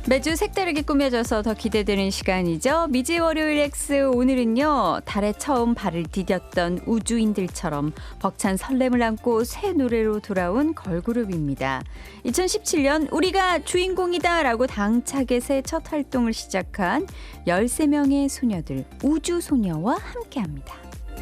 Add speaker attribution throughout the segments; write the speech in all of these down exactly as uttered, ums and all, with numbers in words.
Speaker 1: 매주 색다르게 꾸며져서 더 기대되는 시간이죠. 미지 월요일 X. 오늘은요, 달에 처음 발을 디뎠던 우주인들처럼 벅찬 설렘을 안고 새 노래로 돌아온 걸그룹입니다. 이천십칠 년 우리가 주인공이다 라고 당차게 새 첫 활동을 시작한 열세 명의 소녀들 우주소녀와 함께합니다.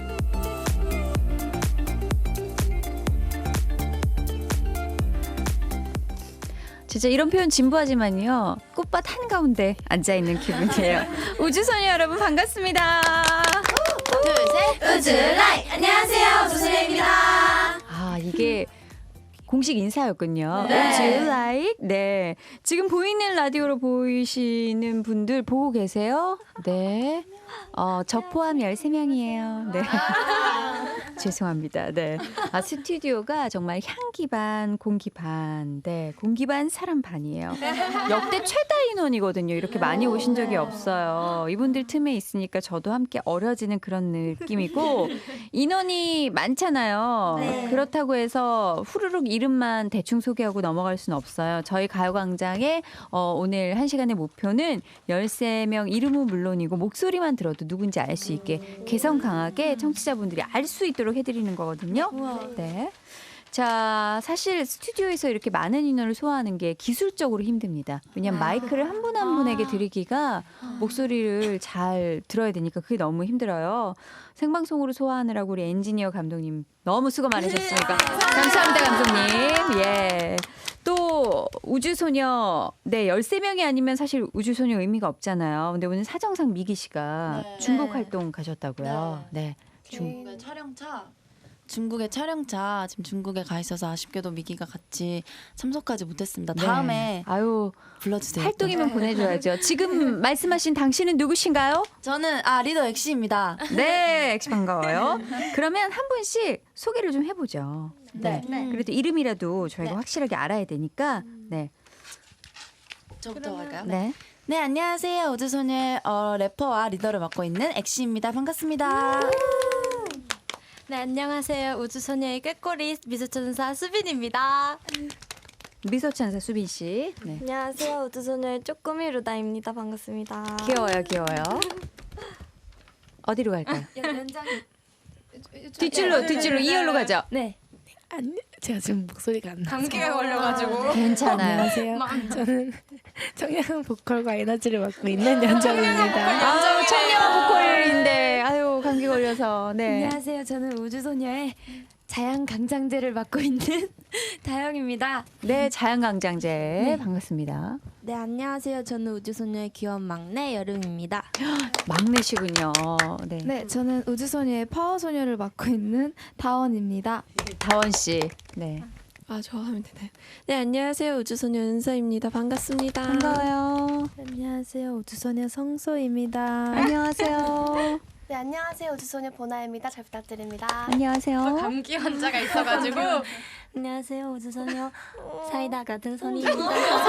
Speaker 1: 진짜 이런 표현 진부하지만요, 꽃밭 한가운데 앉아있는 기분이에요. 우주소녀 여러분 반갑습니다.
Speaker 2: 둘, 셋, 우주라이! 안녕하세요, 우주소녀입니다.
Speaker 1: 아, 이게 공식 인사였군요.
Speaker 2: 네.
Speaker 1: 우주라이. 네. 지금 보이는 라디오로 보이시는 분들 보고 계세요? 네. 어, 저 포함 열세 명이에요. 네. 죄송합니다. 네. 아, 스튜디오가 정말 향기 반, 공기 반. 네. 공기 반, 사람 반이에요. 역대 최다 인원이거든요. 이렇게 많이 오신 적이 없어요. 이분들 틈에 있으니까 저도 함께 어려지는 그런 느낌이고, 인원이 많잖아요.
Speaker 2: 네.
Speaker 1: 그렇다고 해서 후루룩 이름만 대충 소개하고 넘어갈 수는 없어요. 저희 가요광장의 어, 오늘 한 시간의 목표는 열세 명 이름은 물론이고 목소리만 들어도 누군지 알 수 있게 개성 강하게 청취자분들이 알 수 있도록 해드리는 거거든요. 네. 자, 사실 스튜디오에서 이렇게 많은 인원을 소화하는 게 기술적으로 힘듭니다. 왜냐하면 마이크를 한 분 한 분에게 드리기가 목소리를 잘 들어야 되니까 그게 너무 힘들어요. 생방송으로 소화하느라고 우리 엔지니어 감독님 너무 수고 많으셨으니까 감사합니다, 감독님. 예. 또 우주소녀, 네, 열세 명이 아니면 사실 우주소녀 의미가 없잖아요. 근데 오늘 사정상 미기 씨가
Speaker 2: 네.
Speaker 1: 중국
Speaker 2: 네.
Speaker 1: 활동 가셨다고요. 네. 중...
Speaker 2: 중국의 촬영차 중국의 촬영차 지금 중국에 가 있어서 아쉽게도 미기가 같이 참석하지 못했습니다.
Speaker 1: 네.
Speaker 2: 다음에
Speaker 1: 아유,
Speaker 2: 불러주세요.
Speaker 1: 활동이면
Speaker 2: 또.
Speaker 1: 보내줘야죠. 지금 말씀하신 당신은 누구신가요?
Speaker 2: 저는 아 리더 엑시입니다.
Speaker 1: 네, 엑시 반가워요. 그러면 한 분씩 소개를 좀 해보죠. 네.
Speaker 2: 네.
Speaker 1: 그래도 이름이라도 저희가
Speaker 2: 네.
Speaker 1: 확실하게 알아야 되니까. 네.
Speaker 2: 저부터 할까요?
Speaker 1: 네.
Speaker 2: 네, 안녕하세요. 우주소녀의 어, 래퍼와 리더를 맡고 있는 엑시입니다. 반갑습니다.
Speaker 3: 네, 안녕하세요. 우주소녀의 꾀꼬리 미소천사 수빈입니다.
Speaker 1: 미소천사 수빈 씨. 네.
Speaker 3: 안녕하세요. 우주소녀의 쪼꼬미 루다입니다. 반갑습니다.
Speaker 1: 귀여워요, 귀여워요. 어디로 갈까요?
Speaker 3: 연장
Speaker 1: 뒷줄로, 뒷줄로 이열로 가죠.
Speaker 3: 네.
Speaker 4: 아니, 제가 지금 목소리가 안 나서.
Speaker 3: 감기가 걸려가지고.
Speaker 1: 괜찮아요.
Speaker 4: 안녕하세요. 저는 청량 보컬과 에너지를 맡고 있는 연정입니다.
Speaker 1: 아유, 청량 보컬인데, 아유, 감기 걸려서. 네.
Speaker 3: 안녕하세요. 저는 우주소녀의 자양강장제를 맡고 있는 다영입니다.
Speaker 1: 네, 자연강장제. 반갑습니다.
Speaker 3: 네, 안녕하세요. 저는 우주소녀의 귀여운 막내 여름입니다.
Speaker 1: 막내시군요. 네.
Speaker 5: 네, 저는 우주소녀의 파워소녀를 맡고 있는 다원입니다.
Speaker 1: 다원 씨. 네.
Speaker 5: 아, 저 하면 되나요? 네, 안녕하세요. 우주소녀 은서입니다. 반갑습니다.
Speaker 1: 반가워요.
Speaker 5: 안녕하세요. 우주소녀 성소입니다.
Speaker 1: 안녕하세요.
Speaker 6: 네, 안녕하세요. 우주소녀 보나입니다. 잘 부탁드립니다.
Speaker 1: 안녕하세요.
Speaker 3: 감기 환자가 있어가지고.
Speaker 6: 안녕하세요. 우주소녀 사이다 같은 선입니다.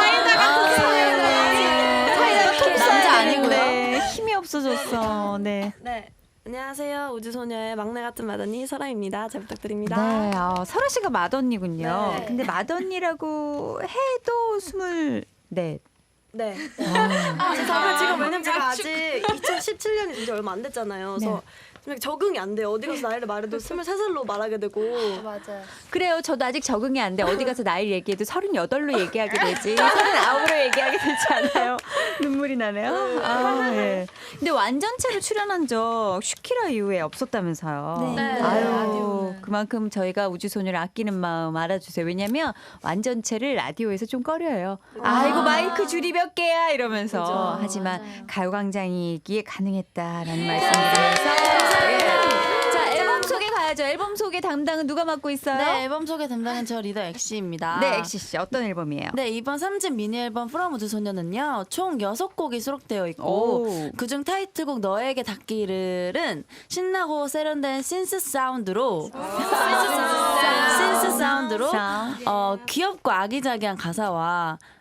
Speaker 2: 남자 아니고요.
Speaker 1: 네, 힘이 없어졌어. 네.
Speaker 5: 네. 안녕하세요. 우주소녀의 막내 같은 마더니 설아입니다. 잘 부탁드립니다.
Speaker 1: 네, 아, 설아 씨가 맏언니군요.
Speaker 5: 네.
Speaker 1: 근데 맏언니라고 해도 스물 네.
Speaker 5: 네. 아, 제가 지금 왜냐면 제가 아직 이천십칠 년이 이제 얼마 안 됐잖아요. 그래서 좀 적응이 안 돼요. 어디 가서 나이를 말해도 스물세 살로 말하게 되고.
Speaker 6: 맞아요.
Speaker 1: 그래요. 저도 아직 적응이 안 돼. 어디 가서 나이 얘기해도 서른여덟로 얘기하게 되지. 서른아홉으로 얘기하게 되지 않아요? 눈물이 나네요. 아, 네. 근데 완전체로 출연한 적 슈키라 이후에 없었다면서요.
Speaker 3: 네.
Speaker 1: 아유,
Speaker 3: 라디오는.
Speaker 1: 그만큼 저희가 우주소녀를 아끼는 마음 알아주세요. 왜냐면 완전체를 라디오에서 좀 꺼려요. 아이고, 마이크 줄이 몇 개야 이러면서. 하지만 가요광장이기에 가능했다라는 말씀드리면서. 예. 자, 앨범 소개 가야죠. 앨범 소개 담당은 누가 맡고 있어요?
Speaker 2: 네, 앨범 소개 담당은 저 리더 엑시입니다.
Speaker 1: 네, 엑시 씨 어떤 앨범이에요?
Speaker 2: 네, 이번 삼 집 미니 앨범 프롬 우주소녀는요 총 여섯 곡이 수록되어 있고
Speaker 1: 오.
Speaker 2: 그중 타이틀곡 너에게 닿기를은 신나고 세련된 신스 사운드로 신스 사운드로
Speaker 1: 사운드.
Speaker 2: 어, 귀엽고 아기자기한 가사와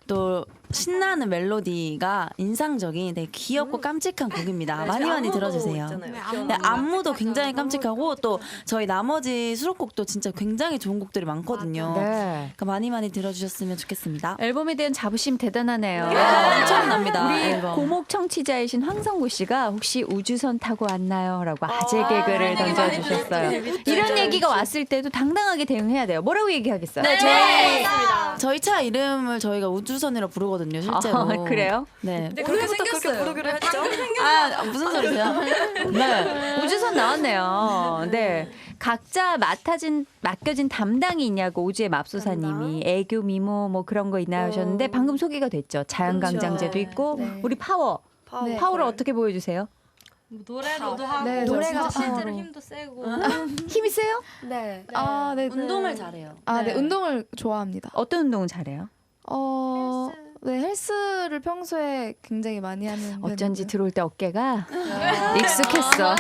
Speaker 2: 또 신나는 멜로디가 인상적인 되게 귀엽고 깜찍한 곡입니다. 많이 많이 들어주세요. 네, 안무도 굉장히 깜찍하고 또 저희 나머지 수록곡도 진짜 굉장히 좋은 곡들이 많거든요.
Speaker 1: 네.
Speaker 2: 그러니까 많이 많이 들어주셨으면 좋겠습니다.
Speaker 1: 앨범에 대한 자부심 대단하네요.
Speaker 2: 엄청납니다.
Speaker 1: 우리
Speaker 2: 앨범.
Speaker 1: 고목 청취자이신 황성구 씨가 혹시 우주선 타고 왔나요? 라고 아재 개그를 던져주셨어요. 이런 얘기가 왔을 때도 당당하게 대응해야 돼요. 뭐라고 얘기하겠어요?
Speaker 2: 네, 저희, 저희 차 이름을 저희가 우주선이라 부르거든요, 실제로.
Speaker 1: 아, 그래요?
Speaker 2: 네.
Speaker 5: 그때부터 그렇게 부르기로 했죠.
Speaker 2: 아, 무슨 소리세요?
Speaker 1: 네. 우주선 나왔네요. 네. 각자 맡아진, 맡겨진 담당이 있냐고 오주의 맙소사님이 애교, 미모 뭐 그런 거 있나 하셨는데 방금 소개가 됐죠. 자연강장제도 있고
Speaker 3: 네.
Speaker 1: 우리 파워.
Speaker 5: 파워.
Speaker 3: 네.
Speaker 1: 파워를 어떻게 보여주세요?
Speaker 7: 노래로도 하고
Speaker 3: 네,
Speaker 7: 노래가
Speaker 3: 저
Speaker 7: 실제로
Speaker 3: 파워로.
Speaker 7: 힘도 세고
Speaker 1: 힘이 세요?
Speaker 6: 네.
Speaker 3: 아, 네.
Speaker 2: 운동을 잘해요.
Speaker 3: 아, 네.
Speaker 1: 네.
Speaker 3: 운동을 좋아합니다.
Speaker 1: 어떤 운동을 잘해요?
Speaker 3: 어, 네, 헬스를 평소에 굉장히 많이 하는
Speaker 1: 어쩐지
Speaker 3: 편이고요.
Speaker 1: 들어올 때 어깨가 익숙했어.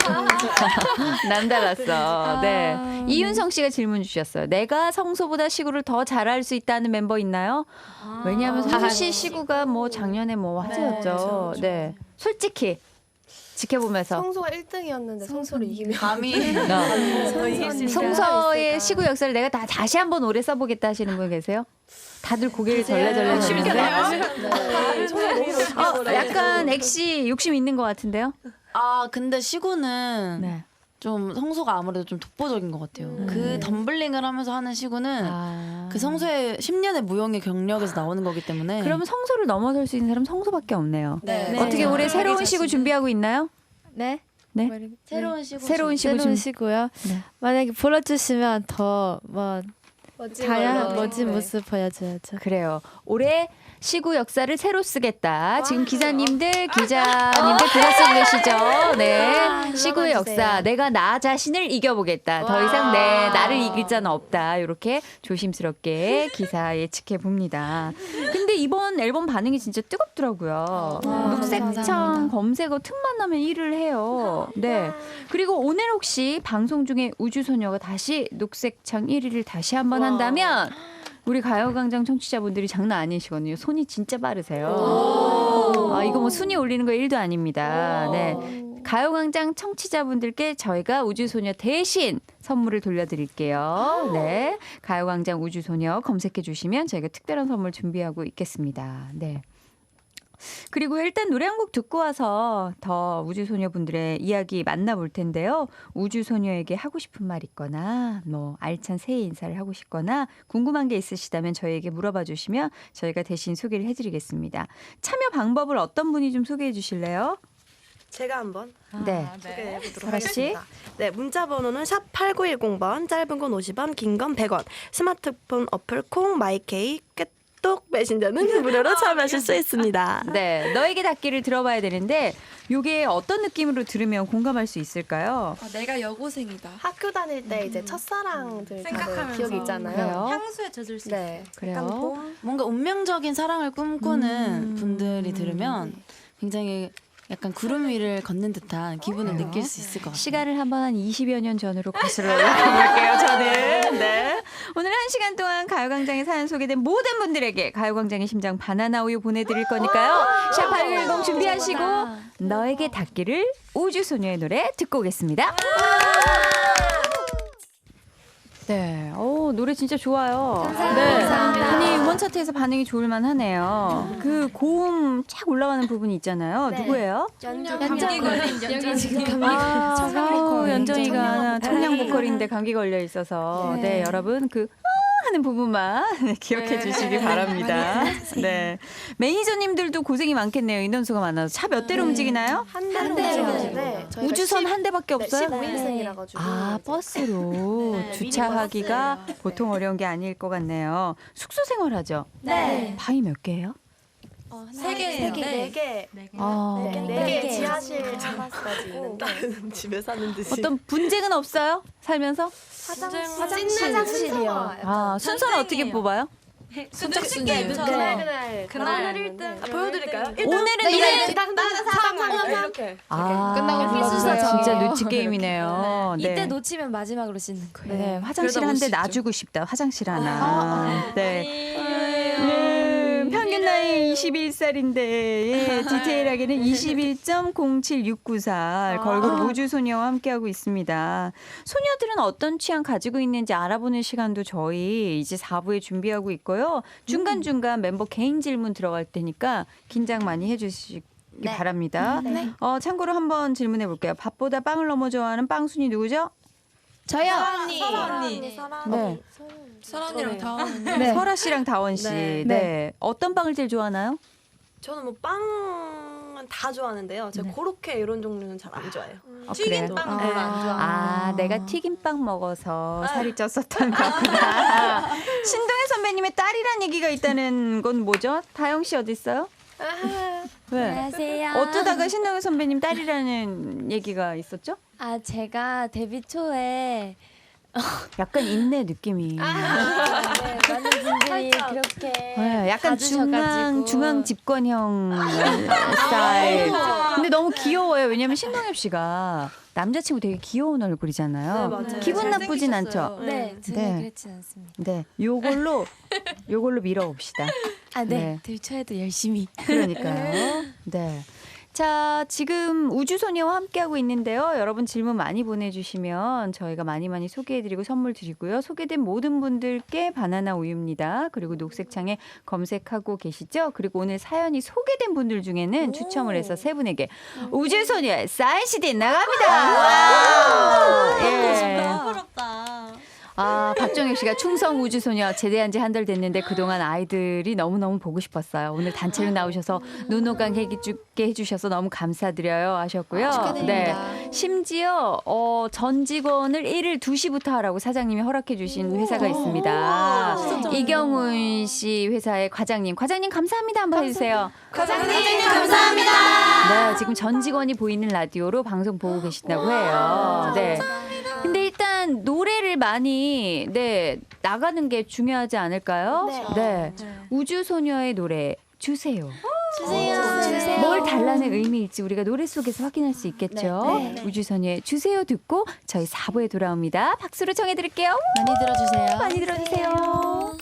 Speaker 1: 남달랐어. 네.
Speaker 3: 아,
Speaker 1: 이윤성 씨가 질문 주셨어요. 내가 성소보다 시구를 더 잘할 수 있다는 멤버 있나요? 왜냐하면 성소 씨 시구가 뭐 작년에 뭐 화제였죠. 네. 솔직히 지켜보면서
Speaker 6: 성소가 일 등이었는데 성소를 이기면
Speaker 2: 감히
Speaker 1: 송서의 시구 역사를 내가 다 다시 한번 오래 써보겠다 하시는 분 계세요? 다들 고개를 절레절레 저는데 어, 약간 액시 욕심 있는 것 같은데요?
Speaker 2: 아 근데 시구는
Speaker 1: 네.
Speaker 2: 좀 성소가 아무래도 좀 독보적인 것 같아요.
Speaker 1: 음.
Speaker 2: 그 덤블링을 하면서 하는 시구는
Speaker 1: 아.
Speaker 2: 그 성소의 십 년의 무용의 경력에서 나오는 거기 때문에
Speaker 1: 그러면 성소를 넘어설 수 있는 사람 성소밖에 없네요.
Speaker 2: 네.
Speaker 1: 어떻게
Speaker 2: 네.
Speaker 1: 올해 새로운 시구 준비하고 있나요?
Speaker 3: 네.
Speaker 1: 네.
Speaker 3: 뭐 이렇게-
Speaker 2: 새로운 시구
Speaker 1: 새로운 시구
Speaker 4: 새로운
Speaker 1: 준
Speaker 4: 시고요.
Speaker 1: 네.
Speaker 4: 만약에 불러주시면 더 뭐 다양한
Speaker 6: 걸로.
Speaker 4: 멋진
Speaker 6: 네.
Speaker 4: 모습 보여줘야죠.
Speaker 1: 그래요. 올해 시구 역사를 새로 쓰겠다. 지금 기사님들, 기자님들 들었으고 계시죠? 네. 시구의 역사. 내가 나 자신을 이겨보겠다. 더 이상 내 나를 이길 자는 없다. 이렇게 조심스럽게 기사 예측해 봅니다. 근데 이번 앨범 반응이 진짜 뜨겁더라고요. 녹색창 검색어 틈만 나면 일 위를 해요. 네. 그리고 오늘 혹시 방송 중에 우주소녀가 다시 녹색창 일 위를 다시 한번 한다면 우리 가요광장 청취자분들이 장난 아니시거든요. 손이 진짜 빠르세요. 아, 이거 뭐 순위 올리는 거 일도 아닙니다. 네. 가요광장 청취자분들께 저희가 우주소녀 대신 선물을 돌려드릴게요. 네. 가요광장 우주소녀 검색해 주시면 저희가 특별한 선물 준비하고 있겠습니다. 네. 그리고 일단 노래 한 곡 듣고 와서 더 우주소녀분들의 이야기 만나볼 텐데요. 우주소녀에게 하고 싶은 말 있거나 뭐 알찬 새해 인사를 하고 싶거나 궁금한 게 있으시다면 저희에게 물어봐 주시면 저희가 대신 소개를 해드리겠습니다. 참여 방법을 어떤 분이 좀 소개해 주실래요?
Speaker 5: 제가 한번
Speaker 1: 네.
Speaker 5: 소개해 보도록
Speaker 1: 설아 씨.
Speaker 5: 하겠습니다. 네, 문자 번호는 샵 팔구일공 번, 짧은 건 오십 원, 긴 건 백 원. 스마트폰 어플 콩 마이케이 꿰똑 메신저는 무료로 참여하실 수 있습니다.
Speaker 1: 네, 너에게 닿기를 들어봐야 되는데 이게 어떤 느낌으로 들으면 공감할 수 있을까요?
Speaker 3: 아, 내가 여고생이다.
Speaker 6: 학교 다닐 때 이제 첫사랑들 다들 기억이 있잖아요.
Speaker 1: 그래요?
Speaker 7: 향수에 젖을 수 있어요.
Speaker 6: 네.
Speaker 1: 그래요?
Speaker 6: 약간 봄?
Speaker 2: 뭔가 운명적인 사랑을 꿈꾸는
Speaker 1: 음.
Speaker 2: 분들이 들으면 굉장히 약간 구름 위를 걷는 듯한 기분을
Speaker 1: 그래요?
Speaker 2: 느낄 수 있을 것 같아요.
Speaker 1: 시간을 한번 한 이십여 년 전으로 거슬러 올라가볼게요, 저는. 네. 오늘 한 시간 동안 가요광장에 사연 소개된 모든 분들에게 가요광장의 심장 바나나 우유 보내드릴 거니까요. 샵팔구일공 준비하시고 너에게 닿기를 우주소녀의 노래 듣고 오겠습니다. 네, 오, 노래 진짜 좋아요. 네. 아니, 음원 차트에서 반응이 좋을만 하네요. 그 고음 착 올라가는 부분이 있잖아요.
Speaker 6: 네.
Speaker 1: 누구예요?
Speaker 6: 연주
Speaker 7: 감기 걸린 연정 지금
Speaker 1: 아,
Speaker 6: 청량
Speaker 1: 아우,
Speaker 6: 보컬.
Speaker 1: 연정이가
Speaker 6: 청량
Speaker 1: 청량 보컬인데 감기 걸려 있어서 네,
Speaker 6: 네.
Speaker 1: 여러분 그 아 하는 부분만 기억해 주시기 바랍니다. 네, 매니저님들도 고생이 많겠네요. 인원수가 많아서 차 몇 대로 움직이나요?
Speaker 6: 한
Speaker 3: 한
Speaker 6: 대로
Speaker 3: 대로.
Speaker 6: 네,
Speaker 1: 우주선 한 대밖에 없어요?
Speaker 6: 십오 인승이라 가지고
Speaker 1: 아, 버스로 주차하기가 보통 어려운 게 아닐 것 같네요. 숙소 생활하죠?
Speaker 6: 네.
Speaker 1: 방이 몇 개예요?
Speaker 7: 세 개예요.
Speaker 6: 네 개.
Speaker 1: 아,
Speaker 6: 네 개 지하실 잡았어가지고 있는데
Speaker 5: 집에 사는 듯이.
Speaker 1: 어떤 분쟁은 없어요? 살면서?
Speaker 6: 화장실 화장실이요.
Speaker 1: 아, 순서는 어떻게 뽑아요?
Speaker 6: 그날 그날
Speaker 7: 그날
Speaker 6: 일 등.
Speaker 5: 아, 보여드릴까요?
Speaker 1: 오늘은 노래
Speaker 6: 사람
Speaker 5: 이렇게.
Speaker 1: 아,
Speaker 3: 끝나고 불러주세요.
Speaker 1: 진짜 눈치 게임이네요. 네.
Speaker 3: 이때 놓치면 마지막으로 씻는 거예요.
Speaker 1: 네, 화장실
Speaker 2: 그러다
Speaker 1: 한 대
Speaker 2: 못 씻죠.
Speaker 1: 놔주고 싶다. 화장실 하나. 네. 네. 편지 평균 나이 이십일 살인데 예, 디테일하게는 이십일 점 공칠육구 살 걸그룹 우주소녀와 함께하고 있습니다. 소녀들은 어떤 취향 가지고 있는지 알아보는 시간도 저희 이제 사 부에 준비하고 있고요. 중간중간 멤버 개인 질문 들어갈 테니까 긴장 많이 해주시기
Speaker 6: 네.
Speaker 1: 바랍니다. 어, 참고로 한번 질문해 볼게요. 밥보다 빵을 너무 좋아하는 빵순이 누구죠?
Speaker 3: 저요.
Speaker 6: 언니.
Speaker 1: 네.
Speaker 4: 설아 언니랑 다원 언니.
Speaker 1: 네. 설아 씨랑 다원 씨.
Speaker 5: 네.
Speaker 1: 네. 어떤 빵을 제일 좋아하나요?
Speaker 5: 저는 뭐 빵은 다 좋아하는데요. 제가 고로케 이런 종류는 잘 안 좋아해요.
Speaker 1: 어,
Speaker 5: 튀긴
Speaker 1: 그래요?
Speaker 5: 빵 별로 안 좋아해요.
Speaker 1: 아, 내가 튀김빵 먹어서 살이 쪘었던 거구나. 신동현 선배님의 딸이란 얘기가 있다는 건 뭐죠? 다영 씨 어디 있어요? 왜?
Speaker 7: 안녕하세요.
Speaker 1: 어쩌다가 신동현 선배님 딸이라는 얘기가 있었죠?
Speaker 7: 아 제가 데뷔 초에
Speaker 1: 약간 인내 느낌이.
Speaker 7: 네, 많은 분들이 그렇게
Speaker 1: 네, 약간 중앙
Speaker 7: 봐주셔가지고.
Speaker 1: 중앙 집권형 스타일. 근데 너무 귀여워요. 왜냐면 신동엽 씨가 남자친구 되게 귀여운 얼굴이잖아요.
Speaker 5: 네, 맞아요.
Speaker 1: 기분 나쁘진 않죠.
Speaker 7: 네, 전혀
Speaker 1: 네.
Speaker 7: 그렇진 않습니다.
Speaker 1: 네, 요걸로 요걸로 밀어봅시다.
Speaker 7: 아, 네.
Speaker 1: 네.
Speaker 7: 데뷔 초에도 열심히.
Speaker 1: 그러니까요. 네. 자, 지금 우주소녀와 함께하고 있는데요. 여러분 질문 많이 보내주시면 저희가 많이 많이 소개해드리고 선물 드리고요. 소개된 모든 분들께 바나나 우유입니다. 그리고 녹색창에 검색하고 계시죠? 그리고 오늘 사연이 소개된 분들 중에는 추첨을 해서 세 분에게 우주소녀의 사인 씨디 나갑니다. 와! 예.
Speaker 7: 부럽다.
Speaker 1: 아, 박정혁 씨가 충성 우주소녀 제대한 지 한 달 됐는데 그동안 아이들이 너무너무 보고 싶었어요. 오늘 단체로 나오셔서 눈호강 해주게 해주셔서 너무 감사드려요 하셨고요. 네. 심지어 어, 전 직원을 일일 두 시부터 하라고 사장님이 허락해 주신 회사가 있습니다. 이경훈 씨 회사의 과장님. 과장님 감사합니다. 한번 해주세요.
Speaker 6: 과장님 감사합니다.
Speaker 1: 네, 지금 전 직원이 보이는 라디오로 방송 보고 계신다고 해요. 네. 근데 일단 노래를 많이 네 나가는 게 중요하지 않을까요?
Speaker 6: 네.
Speaker 1: 우주소녀의 노래 주세요.
Speaker 6: 주세요. 주세요.
Speaker 1: 뭘 달라는 의미일지 우리가 노래 속에서 확인할 수 있겠죠.
Speaker 6: 네, 네.
Speaker 1: 우주소녀의 주세요 듣고 저희 사 부에 돌아옵니다. 박수로 청해드릴게요.
Speaker 2: 많이 들어주세요.
Speaker 1: 많이 들어주세요.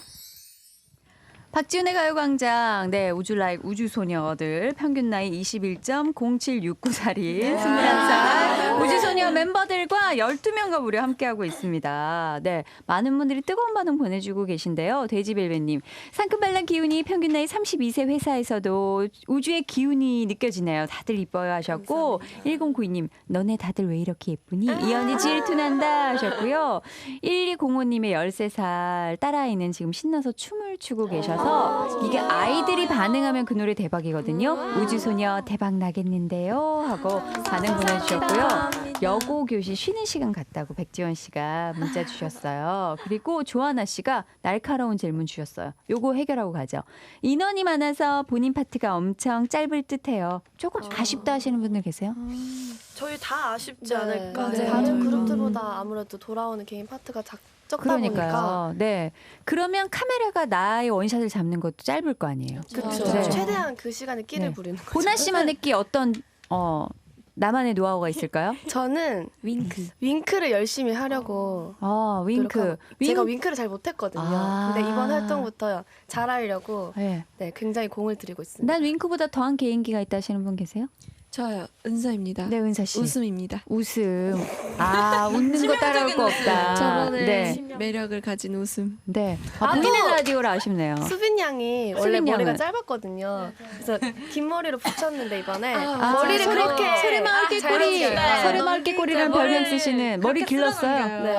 Speaker 1: 박지훈의 가요광장, 네, 우주 라이브 우주소녀들, 평균 나이 이십일 점 공칠육구 살인, 스물한 살, 우주소녀 멤버들과 열두 명과 무려 함께하고 있습니다. 네, 많은 분들이 뜨거운 반응 보내주고 계신데요. 돼지벨벳님, 상큼발랄 기운이 평균 나이 삼십이 세 회사에서도 우주의 기운이 느껴지네요. 다들 이뻐요 하셨고, 일공구이 님, 너네 다들 왜 이렇게 예쁘니? 이연이 질투난다 하셨고요. 일이공오 님의 열세 살 딸아이는 지금 신나서 춤을 추고 계셔서 이게 아이들이 반응하면 그 노래 대박이거든요. 우주소녀 대박 나겠는데요 하고 반응 보내주셨고요. 여고 교실 쉬는 시간 같다고 백지원 씨가 문자 주셨어요. 그리고 조하나 씨가 날카로운 질문 주셨어요. 요거 해결하고 가죠. 인원이 많아서 본인 파트가 엄청 짧을 듯해요. 조금 아쉽다 하시는 분들 계세요?
Speaker 5: 저희 다 아쉽지
Speaker 6: 네.
Speaker 5: 않을까.
Speaker 6: 맞아요. 다른 그룹들보다 아무래도 돌아오는 개인 파트가 작, 적다 보니까.
Speaker 1: 그러니까요. 네. 그러면 카메라가 나의 원샷을 잡는 것도 짧을 거 아니에요.
Speaker 6: 그렇죠.
Speaker 1: 네.
Speaker 6: 최대한 그 시간에 끼를
Speaker 1: 네.
Speaker 6: 부리는 거죠.
Speaker 1: 보나 씨만의 끼 어떤 어 나만의 노하우가 있을까요?
Speaker 6: 저는
Speaker 7: 윙크.
Speaker 6: 윙크를 열심히 하려고
Speaker 1: 어, 윙크.
Speaker 6: 노력하고. 제가 윙크를 잘 못했거든요.
Speaker 1: 아.
Speaker 6: 근데 이번 활동부터 잘하려고
Speaker 1: 네.
Speaker 6: 네, 굉장히 공을 들이고 있습니다.
Speaker 1: 난 윙크보다 더한 개인기가 있다 하시는 분 계세요?
Speaker 4: 저요. 은서입니다.
Speaker 1: 네, 은사 씨.
Speaker 4: 웃음입니다.
Speaker 1: 웃음. 아, 웃는 거 따라올 거 없다.
Speaker 4: 저번에
Speaker 1: 네.
Speaker 4: 매력을 가진 웃음.
Speaker 1: 네. 아, 보이는 라디오라 아쉽네요.
Speaker 6: 수빈 양이 원래
Speaker 1: 수빈
Speaker 6: 머리가
Speaker 1: 양은?
Speaker 6: 짧았거든요. 그래서 긴 머리로 붙였는데 이번에
Speaker 1: 아,
Speaker 6: 머리를
Speaker 1: 소리-
Speaker 6: 그렇게
Speaker 1: 소리마을 깨꼬리.
Speaker 6: 잘
Speaker 1: 소리마을 깨꼬리라는 별명 쓰시는 머리 길렀어요.
Speaker 6: 네.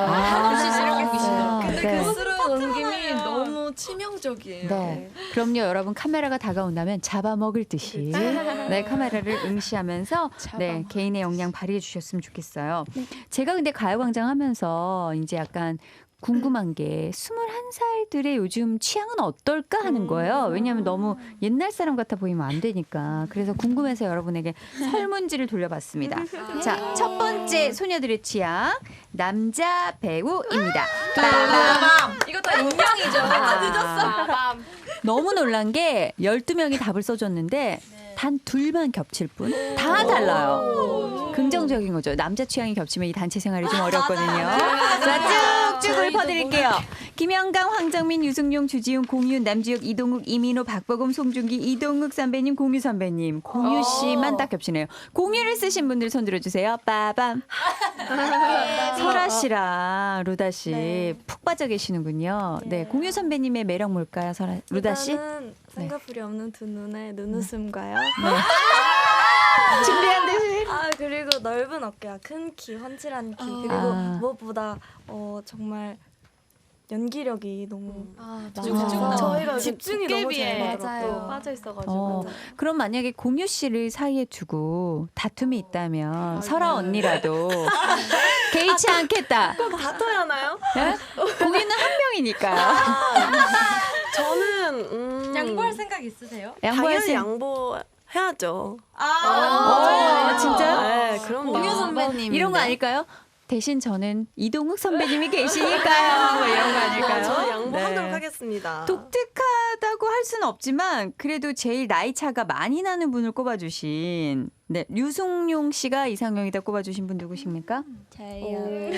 Speaker 1: 아,
Speaker 4: 근데
Speaker 1: 네.
Speaker 4: 그 스루 넘김이 너무 치명적이에요.
Speaker 1: 네. 그럼요, 여러분 카메라가 다가온다면 잡아먹을 듯이 네 카메라를 응시하면서 네 개인의 역량 발휘해 주셨으면 좋겠어요. 제가 근데 가요광장 하면서 이제 약간 궁금한 게 스물한 살들의 요즘 취향은 어떨까 하는 거예요. 왜냐하면 너무 옛날 사람 같아 보이면 안 되니까. 그래서 궁금해서 여러분에게 설문지를 돌려봤습니다. 자, 첫 번째 소녀들의 취향 남자 배우입니다. 빠밤.
Speaker 4: 이거 다 익명이죠.
Speaker 1: 아, 너무 놀란 게 열두 명이 답을 써줬는데 단 둘만 겹칠 뿐 다 달라요. 긍정적인 거죠. 남자 취향이 겹치면 이 단체 생활이 좀 어렵거든요. 자, 쭉쭉을 퍼드릴게요. 김영강, 황정민, 유승용, 주지훈, 공윤, 남주혁, 이동욱, 이민호, 박보검, 송중기, 이동욱 선배님, 공유 선배님. 공유 씨만 딱 겹치네요. 공유를 쓰신 분들 손 들어주세요. 빠밤. 설아 씨랑 루다 씨 푹 빠져 계시는군요. 네, 공유 선배님의 매력 뭘까요, 설아, 루다 씨?
Speaker 8: 일단은 쌍꺼풀이 없는 두 눈에 눈웃음과요.
Speaker 1: 준비한 듯이.
Speaker 8: 아 그리고 넓은 어깨와 큰 키, 훤칠한 키 그리고
Speaker 1: 아.
Speaker 8: 무엇보다 어 정말 연기력이 너무
Speaker 1: 아,
Speaker 8: 저희가 집중이 너무
Speaker 6: 도깨비에
Speaker 8: 잘
Speaker 6: 맞아요.
Speaker 8: 빠져 있어가지고
Speaker 1: 어, 그럼 만약에 공유 씨를 사이에 두고 다툼이 있다면 설아 언니라도 개의치 않겠다.
Speaker 5: 꼭 다퉈야 하나요?
Speaker 1: 네? 공유는 한 명이니까.
Speaker 5: 저는 음,
Speaker 7: 양보할 생각 있으세요?
Speaker 1: 양보할
Speaker 5: 당연히
Speaker 1: 생-
Speaker 5: 양보해야죠.
Speaker 1: 어, 진짜?
Speaker 5: 네, 그럼
Speaker 2: 공유 선배님
Speaker 1: 이런 거 아닐까요? 대신 저는 이동욱 선배님이 계시니까요. 뭐 이런 거 아닐까요?
Speaker 5: 저는 양보하도록
Speaker 1: 네.
Speaker 5: 하겠습니다.
Speaker 1: 독특하다고 할 수는 없지만 그래도 제일 나이 차가 많이 나는 분을 꼽아주신 네 류승용 씨가 이상형이다 꼽아주신 분 누구십니까?
Speaker 8: 저희요.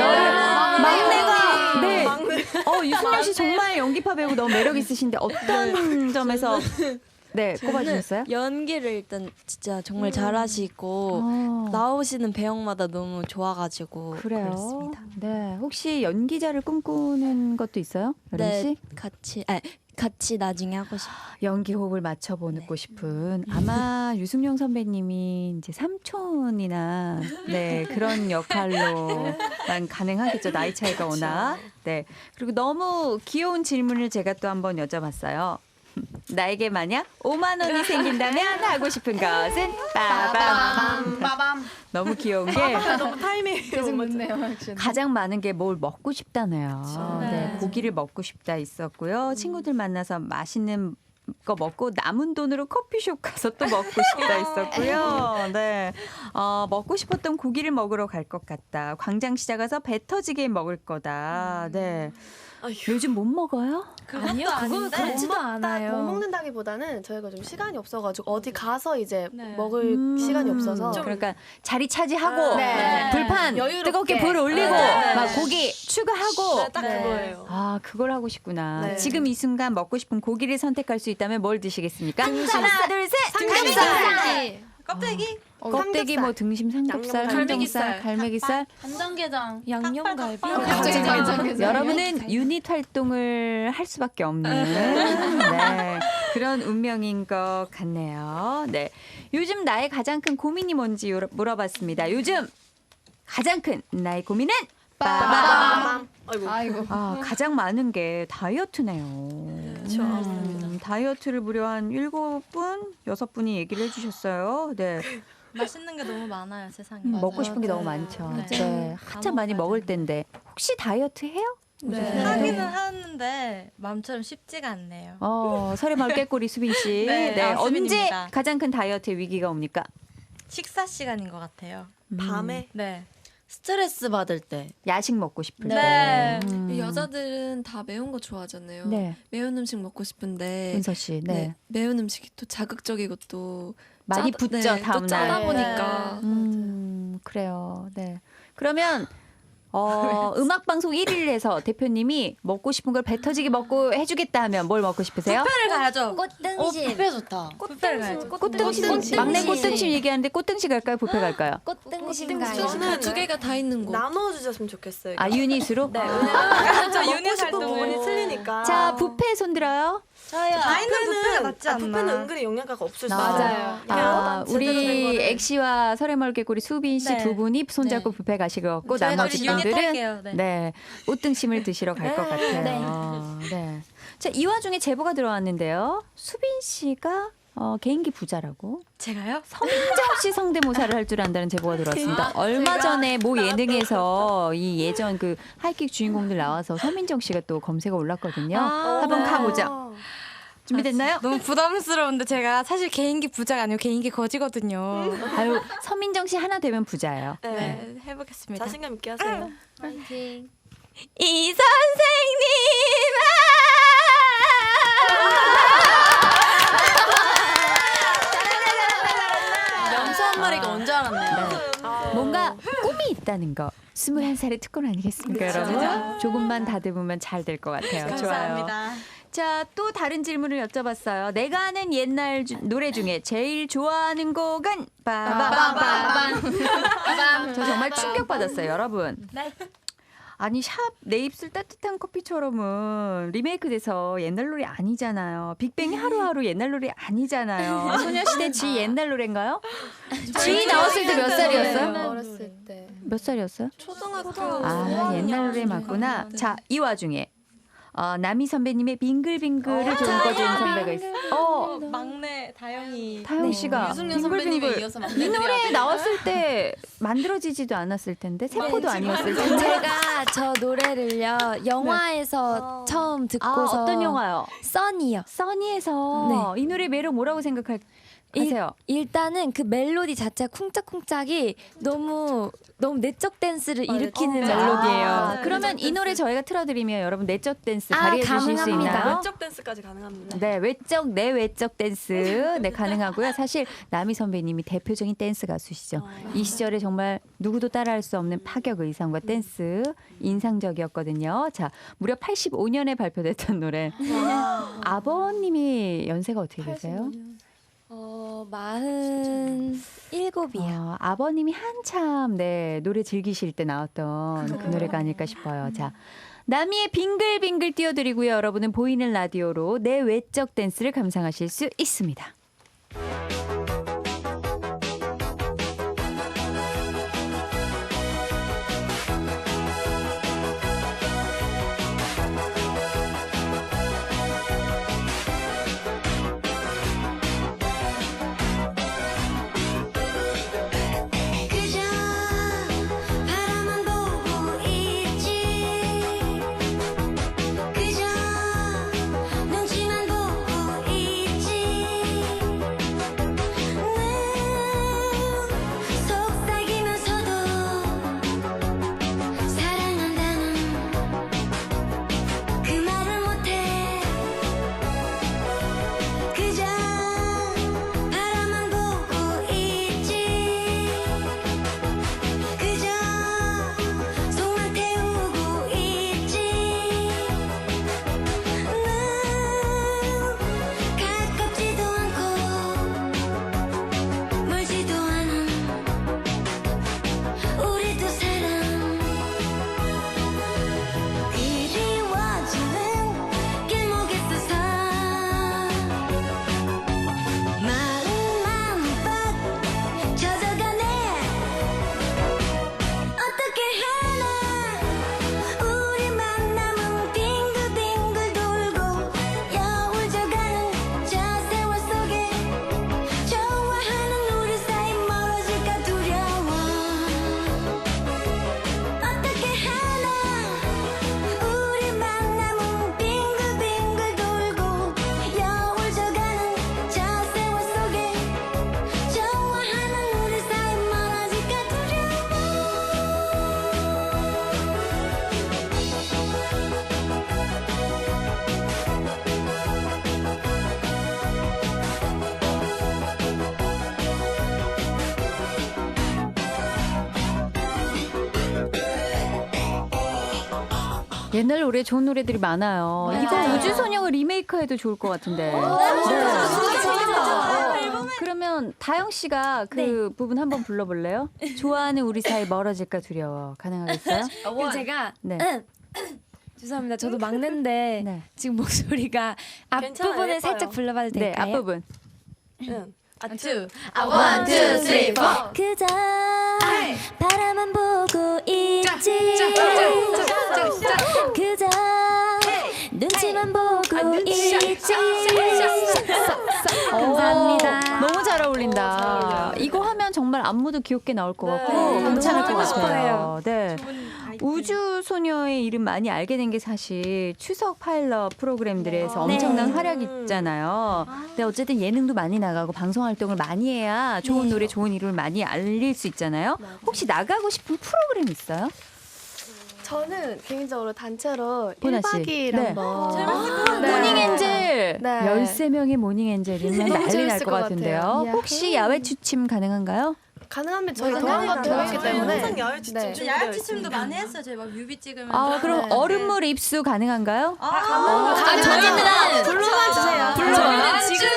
Speaker 1: 막내가 네.
Speaker 5: 막내.
Speaker 1: 어 유승용 씨 정말 연기파 배우 너무 매력 있으신데 어떤 점에서 네 꼽아주셨어요?
Speaker 9: 연기를 일단 진짜 정말 잘하시고
Speaker 1: 어,
Speaker 9: 나오시는 배역마다 너무 좋아가지고
Speaker 1: 그래요.
Speaker 9: 그렇습니다.
Speaker 1: 네 혹시 연기자를 꿈꾸는 것도 있어요, 여린
Speaker 9: 네,
Speaker 1: 씨?
Speaker 9: 같이 아 같이 나중에 하고 싶어요.
Speaker 1: 연기 호흡을 맞춰보고 싶은 아마 유승용 선배님이 이제 삼촌이나 네 그런 역할로만 가능하겠죠. 나이 차이가 워낙. 네 그리고 너무 귀여운 질문을 제가 또 한번 여쭤봤어요. 나에게 만약 오만 원이 생긴다면 하고 싶은 것은 빠밤.
Speaker 6: 빠밤.
Speaker 1: 너무 귀여운 게
Speaker 5: 너무 타이밍이
Speaker 3: 계속
Speaker 5: 너무
Speaker 3: 묻네요. 액션.
Speaker 1: 가장 많은 게 뭘 먹고 싶다네요. 네,
Speaker 8: 네.
Speaker 1: 고기를 먹고 싶다 있었고요. 친구들 만나서 맛있는 거 먹고 남은 돈으로 커피숍 가서 또 먹고 싶다 있었고요. 네, 어, 먹고 싶었던 고기를 먹으러 갈 것 같다. 광장시장 가서 배 터지게 먹을 거다. 네, 요즘 못 먹어요?
Speaker 3: 아니요, 그거 그렇지도
Speaker 6: 못
Speaker 3: 않아요.
Speaker 6: 먹는다기보다는 저희가 좀 시간이 없어가지고 어디 가서 이제
Speaker 8: 네.
Speaker 6: 먹을
Speaker 1: 음,
Speaker 6: 시간이 없어서
Speaker 1: 그러니까 자리 차지하고
Speaker 6: 네.
Speaker 1: 불판
Speaker 6: 여유롭게.
Speaker 1: 뜨겁게 불 올리고
Speaker 6: 네.
Speaker 1: 막 고기 추가하고
Speaker 5: 네, 딱
Speaker 6: 네.
Speaker 5: 그거예요.
Speaker 1: 아, 그걸 하고 싶구나.
Speaker 5: 네.
Speaker 1: 지금 이 순간 먹고 싶은 고기를 선택할 수 있다면 뭘 드시겠습니까? 하나, 둘, 셋.
Speaker 6: 삼겹살.
Speaker 7: 껍데기?
Speaker 3: 어,
Speaker 1: 껍데기 뭐 등심 삼겹살,
Speaker 5: 양념
Speaker 1: 항정살, 갈매기살.
Speaker 9: 간장게장,
Speaker 7: 양념갈비?
Speaker 3: 갑자기 장장에서.
Speaker 1: 여러분은 유닛 활동을 할 수밖에 없는 네, 그런 운명인 것 같네요. 네, 요즘 나의 가장 큰 고민이 뭔지 요러- 물어봤습니다. 요즘 가장 큰 나의 고민은 빠밤.
Speaker 5: 빠밤. 아이고.
Speaker 3: 아이고.
Speaker 1: 아, 가장 많은 게 다이어트네요.
Speaker 5: 그렇죠.
Speaker 1: 음, 다이어트를 무려 한 일곱 분, 여섯 분이 얘기를 해주셨어요. 네,
Speaker 7: 맛있는 게 너무 많아요, 세상에.
Speaker 1: 음, 먹고 싶은 게 너무 많죠.
Speaker 7: 네.
Speaker 1: 네, 한참 많이 먹을 텐데 혹시 다이어트 해요?
Speaker 7: 네. 하기는 하는데 마음처럼 쉽지가 않네요.
Speaker 1: 어, 설의마을 깨꼬리 수빈 씨.
Speaker 7: 네,
Speaker 1: 네,
Speaker 7: 아,
Speaker 1: 언제
Speaker 7: 수빈입니다.
Speaker 1: 가장 큰 다이어트의 위기가 옵니까?
Speaker 7: 식사 시간인 것 같아요.
Speaker 5: 밤에
Speaker 7: 네.
Speaker 2: 스트레스 받을 때
Speaker 1: 야식 먹고 싶을
Speaker 7: 네.
Speaker 1: 때. 음.
Speaker 10: 여자들은 다 매운 거 좋아하잖아요.
Speaker 1: 네,
Speaker 10: 매운 음식 먹고 싶은데
Speaker 1: 은서 씨. 네,
Speaker 10: 네, 매운 음식이 또 자극적이고 또
Speaker 1: 많이
Speaker 10: 짜다-
Speaker 1: 붙죠
Speaker 10: 네,
Speaker 1: 다음
Speaker 10: 또 짜다
Speaker 1: 날.
Speaker 10: 보니까
Speaker 1: 음, 그래요. 네. 그러면 어, 음악 방송 일 위를 해서 대표님이 먹고 싶은 걸 배 터지게 먹고 해주겠다 하면 뭘 먹고 싶으세요?
Speaker 7: 뷔페를 가야죠.
Speaker 2: 어, 뷔페 좋다.
Speaker 7: 뷔페를 가야죠.
Speaker 1: 꽃등심. 막내 꽃등심 얘기하는데 꽃등심 갈까요? 뷔페 갈까요?
Speaker 7: 꽃등심
Speaker 5: 저는
Speaker 10: 두 개가 다 있는 거.
Speaker 5: 나눠 주셨으면 좋겠어요.
Speaker 1: 아, 유닛으로?
Speaker 5: 네, 왜냐면
Speaker 7: 저
Speaker 5: 먹고
Speaker 7: 유닛
Speaker 5: 싶은 부분이
Speaker 7: 활동을.
Speaker 5: 틀리니까.
Speaker 1: 자, 뷔페 손 들어요.
Speaker 2: 저요.
Speaker 7: 다 있는 뷔페가 낫지
Speaker 5: 아,
Speaker 7: 않나.
Speaker 5: 뷔페는 은근히 영양가가 없을 수
Speaker 1: 맞아요.
Speaker 5: 있어요.
Speaker 1: 아,
Speaker 5: 제대로 된
Speaker 1: 우리
Speaker 5: 거를.
Speaker 1: 엑시와 설해멀 개구리 수빈 씨
Speaker 7: 네.
Speaker 1: 두 분이 손잡고 뷔페 가실 것 같고
Speaker 7: 저희가
Speaker 1: 나머지
Speaker 7: 우리 유닛
Speaker 1: 분들은
Speaker 7: 할게요. 네.
Speaker 1: 네, 꽃등심을 드시러 갈 것 같아요. 네. 자, 이 와중에 제보가 들어왔는데요. 수빈 씨가 어, 개인기 부자라고
Speaker 7: 제가요?
Speaker 1: 서민정 씨 성대모사를 할 줄 안다는 제보가 들어왔습니다. 얼마 전에 모 예능에서 이 예전 그 하이킥 주인공들 나와서 서민정 씨가 또 검색어 올랐거든요.
Speaker 7: 아,
Speaker 1: 한번
Speaker 7: 네.
Speaker 1: 가보죠. 준비됐나요?
Speaker 7: 너무 부담스러운데 제가 사실 개인기 부자가 아니고 개인기 거지거든요.
Speaker 1: 아유, 서민정 씨 하나 되면 부자예요.
Speaker 5: 네.
Speaker 7: 네, 해보겠습니다.
Speaker 5: 자신감 있게 하세요.
Speaker 7: 이
Speaker 2: 염소 한 마리가 언제 알았네요.
Speaker 1: 뭔가 꿈이 있다는 거. 스물한 살의 특권 아니겠습니까, 여러분? 조금만 다듬으면 잘 될 것 같아요. 좋아요. 자, 또 다른 질문을 여쭤봤어요. 내가 아는 옛날 주, 노래 중에 제일 좋아하는 곡은 빠바바바밤. 저 정말 충격받았어요, 여러분. 아니 샵 내 입술 따뜻한 커피처럼은 리메이크돼서 옛날 노래 아니잖아요. 빅뱅이 하루하루 옛날 노래 아니잖아요. 소녀시대 지 옛날 노래인가요? 지 나왔을 때 몇 살이었어요?
Speaker 3: 어렸을 때.
Speaker 1: 몇 살이었어요?
Speaker 10: 초등학교
Speaker 1: 아 옛날 노래 맞구나. 자 이 와중에 어, 남희 선배님의 빙글빙글을 좀 꺼준 선배가 있어. 어,
Speaker 8: 막내 다영이
Speaker 1: 다영 씨가
Speaker 2: 유승윤 선배님에
Speaker 1: 빙글빙글.
Speaker 2: 이어서
Speaker 1: 이 노래 나왔을 때 만들어지지도 않았을 텐데 세포도 아니었을 텐데.
Speaker 7: 제가 저 노래를요 영화에서 처음
Speaker 1: 아,
Speaker 7: 듣고서
Speaker 1: 어떤 영화요?
Speaker 7: 써니요.
Speaker 1: 써니에서 이 노래 매력 뭐라고 생각하세요?
Speaker 7: 일단은 그 멜로디 자체가 쿵짝쿵짝이 너무 너무 내적 댄스를 일으키는
Speaker 1: 어,
Speaker 7: 멜로디예요.
Speaker 1: 아, 그러면 이 노래 저희가 틀어드리면 여러분 내적 댄스
Speaker 7: 아,
Speaker 1: 발휘해 주실 수
Speaker 7: 가능합니다.
Speaker 1: 있나요?
Speaker 5: 외적 댄스까지 가능합니다.
Speaker 1: 네, 외적 내 외적 댄스 네 가능하고요. 사실 남희 선배님이 대표적인 댄스 가수시죠. 이 시절에 정말 누구도 따라할 수 없는 파격 의상과 댄스 인상적이었거든요. 자, 무려 팔십오 년에 발표됐던 노래. 아버님이 연세가 어떻게 되세요?
Speaker 7: 어 마흔 일곱이요.
Speaker 1: 어, 아버님이 한참 네 노래 즐기실 때 나왔던 그 노래가 아닐까 싶어요. 자, 남이의 빙글빙글 띄워드리고요. 여러분은 보이는 라디오로 내 외적 댄스를 감상하실 수 있습니다. 옛날 노래 좋은 노래들이 많아요. 이거 우주소녀가 리메이크해도 좋을 것 같은데. 네. 어, 그러면 다영 씨가 그 부분 한번 불러볼래요? 좋아하는 우리 사이 멀어질까 두려워. 가능하겠어요?
Speaker 7: 그럼 제가
Speaker 1: 네.
Speaker 7: 죄송합니다. 저도 막내인데
Speaker 1: 네.
Speaker 7: 지금 목소리가
Speaker 5: 괜찮아요.
Speaker 7: 앞부분을
Speaker 5: 예뻐요.
Speaker 7: 살짝 불러봐도
Speaker 1: 네,
Speaker 7: 될까요?
Speaker 1: 앞부분.
Speaker 5: 응. 아, 투.
Speaker 2: 원, 투, 쓰리, 포.
Speaker 7: 그저 바라만 보고 있지 그저 눈치만 보고 있지 감사합니다.
Speaker 1: 너무 잘 어울린다. 이거 하면 정말 안무도 귀엽게 나올 것 같고 괜찮을 것 같아요. 네. 우주 소녀의 이름 많이 알게 된 게 사실 추석 파일럿 프로그램들에서 엄청난 활약이 있잖아요. 근데 어쨌든 예능도 많이 나가고 방송 활동을 많이 해야 좋은 노래, 좋은 이름을 많이 알릴 수 있잖아요. 혹시 나가고 싶은 프로그램 있어요?
Speaker 6: 저는 개인적으로 단체로
Speaker 1: 보나 씨.
Speaker 6: 일 박 이 일
Speaker 1: 네.
Speaker 6: 한번 네.
Speaker 1: 모닝 엔젤.
Speaker 6: 네.
Speaker 1: 열세 명의 모닝 엔젤이면
Speaker 6: 너무
Speaker 1: 난리 날
Speaker 6: 재밌을
Speaker 1: 것
Speaker 6: 것
Speaker 1: 같은데요.
Speaker 6: 같아요.
Speaker 1: 혹시 야외 추침 가능한가요?
Speaker 6: 가능하면 저희
Speaker 3: 맞아요.
Speaker 6: 동안 같은
Speaker 3: 맞아요.
Speaker 6: 거기 때문에
Speaker 5: 항상 야외
Speaker 6: 네.
Speaker 5: 춤
Speaker 11: 야외 춤도 많이 했어요. 저희 막 뮤비 찍으면서.
Speaker 1: 아, 그럼 얼음물 입수 가능한가요?
Speaker 7: 아, 저희는
Speaker 5: 불러만 주세요.
Speaker 7: 저희는 지금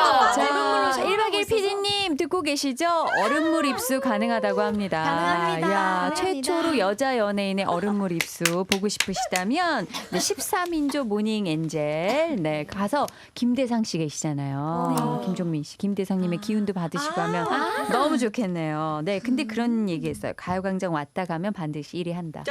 Speaker 1: 자, 일 박 이 일 피디님 듣고 계시죠? 얼음물 입수 가능하다고 합니다.
Speaker 7: 가능합니다.
Speaker 1: 야,
Speaker 7: 가능합니다.
Speaker 1: 최초로 여자 연예인의 얼음물 입수 보고 싶으시다면 네, 십삼 인조 모닝 엔젤 네, 가서 김대상 씨 계시잖아요. 어, 김종민 씨, 김대상님의 기운도 받으시고 하면 너무 좋겠네요. 네, 근데 그런 얘기했어요. 가요광장 왔다 가면 반드시 일 위 한다.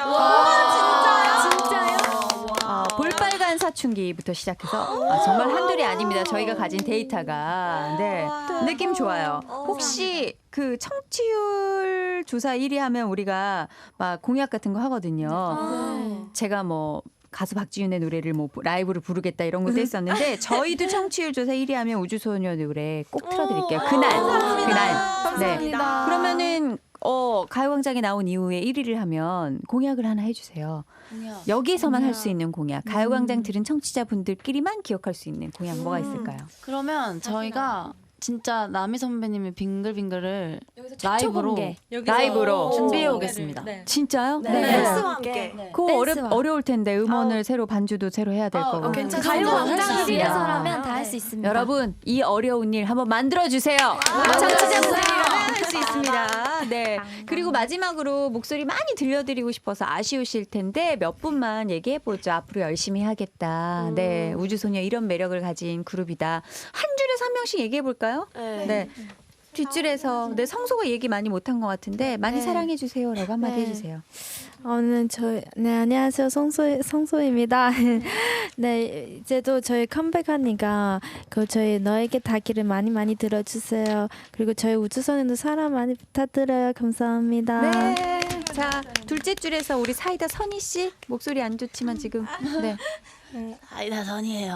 Speaker 7: 진짜요?
Speaker 1: 어, 볼빨간 사춘기부터 시작해서 아, 정말 한둘이 아닙니다. 저희가 가진 데이터가 네 느낌 좋아요. 혹시 그 청취율 조사 일 위 하면 우리가 막 공약 같은 거 하거든요. 제가 뭐 가수 박지윤의 노래를 뭐 라이브로 부르겠다 이런 것도 했었는데 저희도 청취율 조사 일 위 하면 우주소녀 노래 꼭 틀어드릴게요. 그날 그날 네 그러면은 어 가요광장에 나온 이후에 일 위를 하면 공약을 하나 해주세요. 여기에서만 할 수 있는 공약. 가요광장 들은 청취자분들끼리만 기억할 수 있는 공약 뭐가 있을까요?
Speaker 2: 그러면 저희가 진짜 나미 선배님의 빙글빙글을 라이브로
Speaker 7: 공개.
Speaker 1: 라이브로
Speaker 2: 준비해 오겠습니다.
Speaker 1: 진짜요?
Speaker 5: 댄스와 함께.
Speaker 1: 그거 어려,
Speaker 7: 댄스와.
Speaker 1: 어려울 텐데 음원을 새로 반주도 새로 해야 될 거고.
Speaker 7: 가요광장을 위해서라면 다 할 수 있습니다.
Speaker 1: 여러분 이 어려운 일 한번 만들어 주세요. 청취자분들이라면 할 수 있습니다. 네. 그리고 마지막으로 목소리 많이 들려드리고 싶어서 아쉬우실 텐데 몇 분만 얘기해 보죠. 앞으로 열심히 하겠다. 네. 우주소녀 이런 매력을 가진 그룹이다. 한 줄에서 한 명씩 얘기해 볼까요?
Speaker 5: 네.
Speaker 1: 네. 뒷줄에서 네 성소가 얘기 많이 못한 것 같은데 많이
Speaker 3: 네.
Speaker 1: 사랑해 주세요라고 한마디
Speaker 3: 네.
Speaker 1: 해주세요.
Speaker 4: 오늘 저, 네, 안녕하세요. 성소, 성소입니다. 네, 이제도 저희 컴백하니까 그 저희 너에게 닿기를 많이 많이 들어주세요. 그리고 저희 우주선에도 사랑 많이 부탁드려요. 감사합니다.
Speaker 1: 네. 자 둘째 줄에서 우리 사이다 선희 씨 목소리 안 좋지만 지금 네.
Speaker 2: 아이다 선이에요.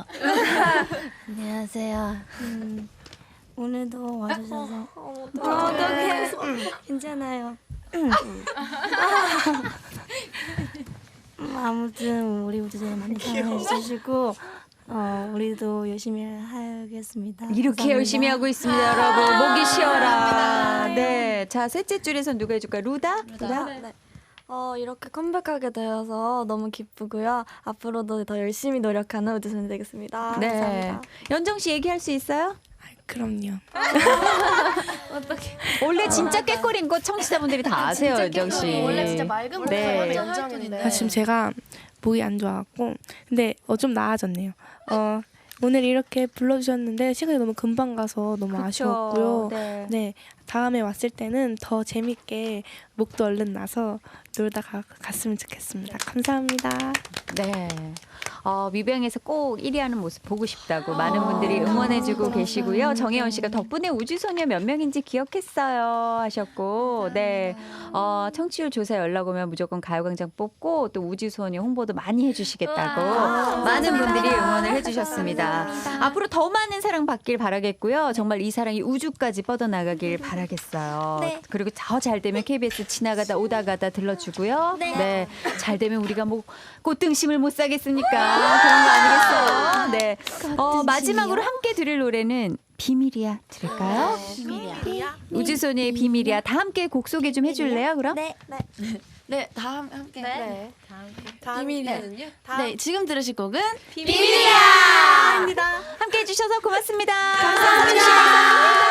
Speaker 8: 안녕하세요. 음, 오늘도 와주셔서 어떡해. 괜찮아요. 음, 아무튼 우리 우주소녀 많이 사랑해 주시고 어, 우리도 열심히 하겠습니다.
Speaker 1: 이렇게
Speaker 8: 감사합니다.
Speaker 1: 열심히 하고 있습니다, 여러분. 목이 쉬어라. 네. 자, 셋째 줄에서 누가 해줄까? 루다? 루다?
Speaker 8: 네. 어, 이렇게 컴백하게 되어서 너무 기쁘고요. 앞으로도 더 열심히 노력하는 우주소녀 되겠습니다.
Speaker 1: 네.
Speaker 8: 감사합니다.
Speaker 1: 연정 씨 얘기할 수 있어요?
Speaker 4: 그럼요.
Speaker 1: 원래 진짜 꾀꼬리인 거 청취자분들이 다 아세요, 연정 씨.
Speaker 6: 원래 진짜 맑은
Speaker 1: 네.
Speaker 6: 목소리 연정인데.
Speaker 4: 아, 지금 제가 목이 안 좋아갖고 근데 어, 좀 나아졌네요. 어, 오늘 이렇게 불러주셨는데 시간이 너무 금방 가서 너무 아쉬웠고요.
Speaker 8: 네.
Speaker 4: 네, 다음에 왔을 때는 더 재밌게 목도 얼른 나서 놀다 가, 갔으면 좋겠습니다. 감사합니다.
Speaker 1: 네. 어, 뮤뱅에서 꼭 일 위 하는 모습 보고 싶다고 많은 분들이 응원해주고 계시고요. 정혜원 씨가 덕분에 우주소녀 몇 명인지 기억했어요 하셨고, 네. 어, 청취율 조사 연락 오면 무조건 가요광장 뽑고 또 우주소녀 홍보도 많이 해주시겠다고 많은 분들이 응원을 해주셨습니다. 앞으로 더 많은 사랑 받길 바라겠고요. 정말 이 사랑이 우주까지 뻗어나가길 바라겠어요.
Speaker 7: 네.
Speaker 1: 그리고 더 잘 되면 케이비에스 지나가다 오다 가다 들러주고요.
Speaker 7: 네.
Speaker 1: 잘 되면 우리가 뭐 꽃등심을 못 사겠습니까? 그런 거 아니겠어요? 네. 어, 마지막으로 함께 들을 노래는 비밀이야 들을까요?
Speaker 2: 비밀이야.
Speaker 1: 우주소녀의 비밀이야. 다 함께 곡 소개 좀 해줄래요? 그럼?
Speaker 7: 네.
Speaker 2: 네, 다 함- 함께.
Speaker 6: 네.
Speaker 5: 비밀이는요?
Speaker 2: 네, 지금 들으실 곡은
Speaker 5: 비밀이야!
Speaker 1: 함께 해주셔서 고맙습니다. 감사합니다.